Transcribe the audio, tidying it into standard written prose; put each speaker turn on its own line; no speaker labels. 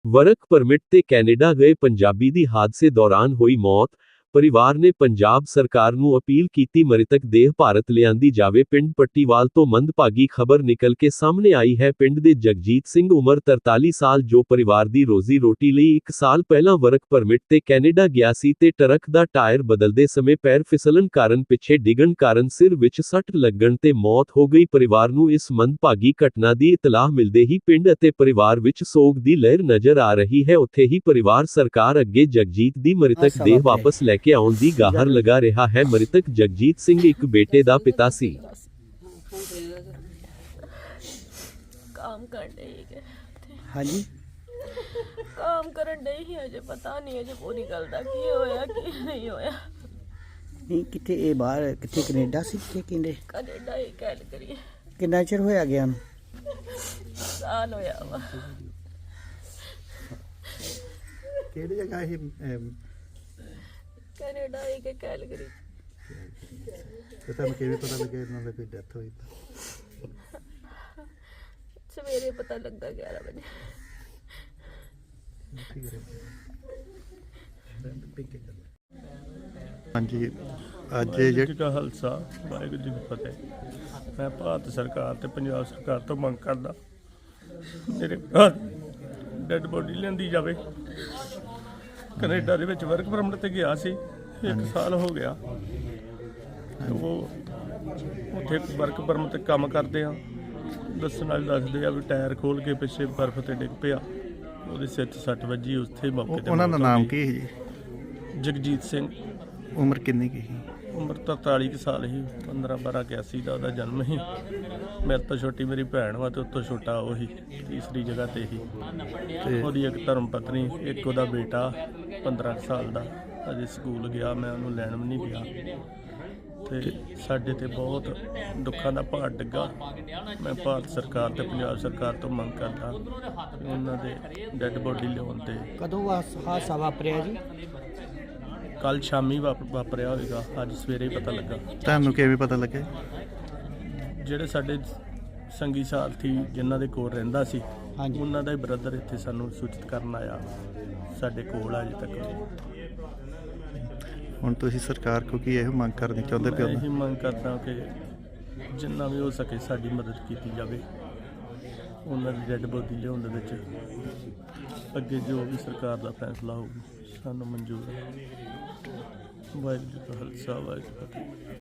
Work permit ਤੇ Canada ਗਏ ਪੰਜਾਬੀ ਦੀ ਹਾਦਸੇ ਦੌਰਾਨ ਹੋਈ ਮੌਤ। ਪਰਿਵਾਰ ਨੇ ਪੰਜਾਬ ਸਰਕਾਰ ਨੂੰ ਅਪੀਲ ਕੀਤੀ ਮ੍ਰਿਤਕ ਦੇਹ ਭਾਰਤ ਲਿਆਂਦੀ ਜਾਵੇ। ਪਿੰਡ ਪੱਟੀਵਾਲ ਤੋਂ ਮੰਦਭਾਗੀ ਖਬਰ ਨਿਕਲ ਕੇ ਸਾਹਮਣੇ ਆਈ ਹੈ। ਪਿੰਡ ਦੇ ਜਗਜੀਤ ਸਿੰਘ ਉਮਰ 43 ਸਾਲ ਜੋ ਪਰਿਵਾਰ ਦੀ ਰੋਜ਼ੀ ਰੋਟੀ ਲਈ 1 ਸਾਲ ਪਹਿਲਾਂ ਵਰਕ ਪਰਮਿਟ ਤੇ ਕੈਨੇਡਾ ਗਿਆ ਸੀ ਤੇ ਟਰੱਕ ਦਾ ਟਾਇਰ ਬਦਲਦੇ ਸਮੇਂ ਪੈਰ ਫਿਸਲਣ ਕਾਰਨ ਪਿੱਛੇ ਡਿੱਗਣ ਕਾਰਨ ਸਿਰ ਵਿੱਚ ਸੱਟ ਲੱਗਣ ਤੇ ਮੌਤ ਹੋ ਗਈ। ਪਰਿਵਾਰ ਨੂੰ ਇਸ ਮੰਦਭਾਗੀ ਘਟਨਾ ਦੀ ਇਤਲਾਹ ਮਿਲਦੇ ਹੀ ਪਿੰਡ ਅਤੇ ਪਰਿਵਾਰ ਵਿੱਚ ਸੋਗ ਦੀ ਲਹਿਰ ਨਜ਼ਰ ਆ ਰਹੀ ਹੈ। ਉੱਥੇ ਹੀ ਪਰਿਵਾਰ ਸਰਕਾਰ ਅੱਗੇ ਜਗਜੀਤ ਦੀ ਮ੍ਰਿਤਕ ਦੇਹ ਵਾਪਸ ਲੈ ਕੇ ਆਉਣ ਦੀ ਗੁਹਾਰ ਲਗਾ ਰਿਹਾ ਹੈ। ਮ੍ਰਿਤਕ ਜਗਜੀਤ ਸਿੰਘ ਇੱਕ ਬੇਟੇ ਦਾ ਪਿਤਾ ਸੀ।
काम कर रही है
हाँ जी
काम करन डई ही अजे पता नहीं अजे पूरी गल दा की होया की नहीं होया।
नहीं कितने ये बाहर कितने कनेडा से कितने किंदे
कनेडा ही गल करिए
कितना चिर होया गया
साल होया वा
ਕਿਹੜੀ ਜਗ੍ਹਾ ਇਹ
कनेडा ही के गल करी
ਤੇ ਤੁਹਾਨੂੰ ਕਿਵੇਂ ਪਤਾ ਲੱਗਿਆ ਇਹਨਾਂ ਦੀ ਕੋਈ ਡੈਥ ਹੋਈ ਤਾਂ
सवेरे पता लगता 11 बजे।
ਹਾਂਜੀ ਅੱਜ ਜਿਹੜੀ
ਜੀ ਕਾ ਖਾਲਸਾ ਵਾਹਿਗੁਰੂ ਜੀ ਕੀ ਫਤਿਹ। ਮੈਂ ਭਾਰਤ ਸਰਕਾਰ ਤੇ ਪੰਜਾਬ ਸਰਕਾਰ ਤੋਂ ਮੰਗ ਕਰਦਾ ਮੇਰੇ ਡੈਡ ਬੋਡੀ ਲਿਆਂਦੀ ਜਾਵੇ। ਕੈਨੇਡਾ ਦੇ ਵਿੱਚ ਵਰਕ ਪਰਮਿਟ ਤੇ ਗਿਆ ਸੀ 1 ਸਾਲ ਹੋ ਗਿਆ। ਉਹ ਉੱਥੇ ਵਰਕ ਪਰਮਿਟ ਤੇ ਕੰਮ ਕਰਦੇ ਆ। ਦੱਸਣ ਵਾਲੇ ਦੱਸਦੇ ਆ ਵੀ ਟਾਇਰ ਖੋਲ ਕੇ ਪਿੱਛੇ ਬਰਫ਼ ਤੇ ਡਿੱਗ ਪਿਆ, ਉਹਦੇ ਸਿਰ 'ਚ ਸੱਟ ਵੱਜੀ। ਉੱਥੇ ਮੌਕੇ ਤੇ
ਉਹਨਾਂ ਦਾ ਨਾਮ ਕੀ ਸੀ ਜੀ?
ਜਗਜੀਤ ਸਿੰਘ।
ਉਮਰ ਕਿੰਨੀ ਕੀ ਸੀ?
ਉਮਰ ਤਾਂ 43 ਕੁ ਸਾਲ ਸੀ। 15-12 81 ਦਾ ਉਹਦਾ ਜਨਮ ਸੀ। ਮੇਰੇ ਤੋਂ ਛੋਟੀ ਮੇਰੀ ਭੈਣ ਵਾ ਤੇ ਉਤੋਂ ਛੋਟਾ ਉਹੀ ਤੀਸਰੀ ਜਗ੍ਹਾ ਤੇ ਹੀ।
ਤੇ
ਉਹਦੀ ਇੱਕ ਧਰਮ ਪਤਨੀ, ਇੱਕ ਉਹਦਾ ਬੇਟਾ 15 ਕੁ ਸਾਲ ਦਾ ਅਜੇ ਸਕੂਲ ਗਿਆ। ਮੈਂ ਉਹਨੂੰ ਲੈਣ ਵੀ ਨਹੀਂ ਗਿਆ। ਤੇ ਸਾਡੇ ਤੇ ਬਹੁਤ ਦੁੱਖਾਂ ਦਾ ਭਾਰ ਡਿੱਗਾ। ਮੈਂ ਭਾਰਤ ਸਰਕਾਰ ਤੇ ਪੰਜਾਬ ਸਰਕਾਰ ਤੋਂ ਮੰਗ ਕਰਦਾ ਕਿ ਉਹਨਾਂ ਦੇ ਡੈੱਡ ਬੋਡੀ ਲਿਆਉਣ ਤੇ।
कदों हादसा वापरिया जी?
ਕੱਲ੍ਹ ਸ਼ਾਮੀ ਵਾਪਰਿਆ ਹੋਵੇਗਾ, ਅੱਜ ਸਵੇਰੇ ਹੀ ਪਤਾ ਲੱਗਾ।
ਤੁਹਾਨੂੰ ਕਿਵੇਂ ਪਤਾ ਲੱਗਿਆ?
ਜਿਹੜੇ ਸਾਡੇ ਸੰਗੀ ਸਾਥੀ ਜਿਨ੍ਹਾਂ ਦੇ ਕੋਲ ਰਹਿੰਦਾ ਸੀ,
हाँ जी
ਉਹਨਾਂ ਦਾ ਹੀ ਬ੍ਰਦਰ ਇੱਥੇ ਸਾਨੂੰ ਸੂਚਿਤ ਕਰਨ ਆਇਆ। ਸਾਡੇ ਕੋਲ ਅਜੇ ਤੱਕ।
ਹੁਣ ਤੁਸੀਂ ਸਰਕਾਰ ਕੋਲ ਕੀ ਇਹੋ ਮੰਗ ਕਰਨੀ ਚਾਹੁੰਦੇ
ਮੈਂ
ਪਿਓ?
ਇਹੀ ਮੰਗ ਕਰਦਾ ਕਿ ਜਿੰਨਾ ਵੀ ਹੋ ਸਕੇ ਸਾਡੀ ਮਦਦ ਕੀਤੀ ਜਾਵੇ। ਉਹਨਾਂ ਦੀ ਡੈੱਡ ਬੋਡੀ ਲਿਆਉਣ ਦੇ ਵਿੱਚ ਅੱਗੇ ਜੋ ਵੀ ਸਰਕਾਰ ਦਾ ਫੈਸਲਾ ਹੋਊ ਸਾਨੂੰ ਮਨਜ਼ੂਰ ਹੈ। ਵਾਹਿਗੁਰੂ ਜੀ ਕਾ ਖਾਲਸਾ ਵਾਹਿਗੁਰੂ ਜੀ ਕੀ ਫਤਿਹ।